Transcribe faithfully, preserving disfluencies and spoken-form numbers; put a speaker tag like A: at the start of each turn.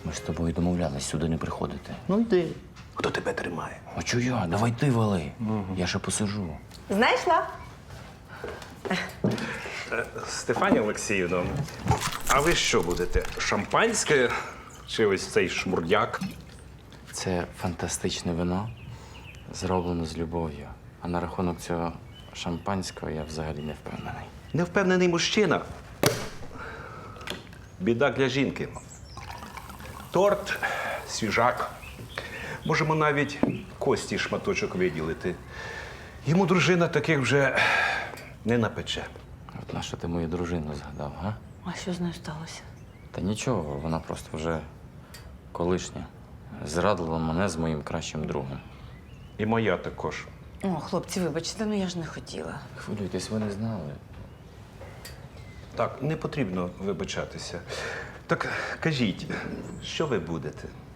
A: Ми ж з тобою домовлялись сюди не приходити.
B: Ну йди. Хто тебе тримає?
A: А чого я? Давай ти вали. Я ще посижу.
C: Знайшла?
B: Стефанія Олексіївна, а ви що будете? Шампанське чи ось цей шмурдяк?
A: Це фантастичне вино, зроблено з любов'ю. А на рахунок цього шампанського я взагалі не впевнений.
B: Невпевнений мужчина. Біда для жінки. Торт, свіжак. Можемо навіть кості шматочок виділити. Йому дружина таких вже не напече.
A: От на що ти мою дружину згадав, га?
C: А що з нею сталося?
A: Та нічого, вона просто вже колишня. Зрадила мене з моїм кращим другом.
B: І моя також.
C: О, хлопці, вибачте, ну я ж не хотіла.
A: Хвилюйтесь, ви не знали.
B: Так, не потрібно вибачатися. Так кажіть, що ви будете?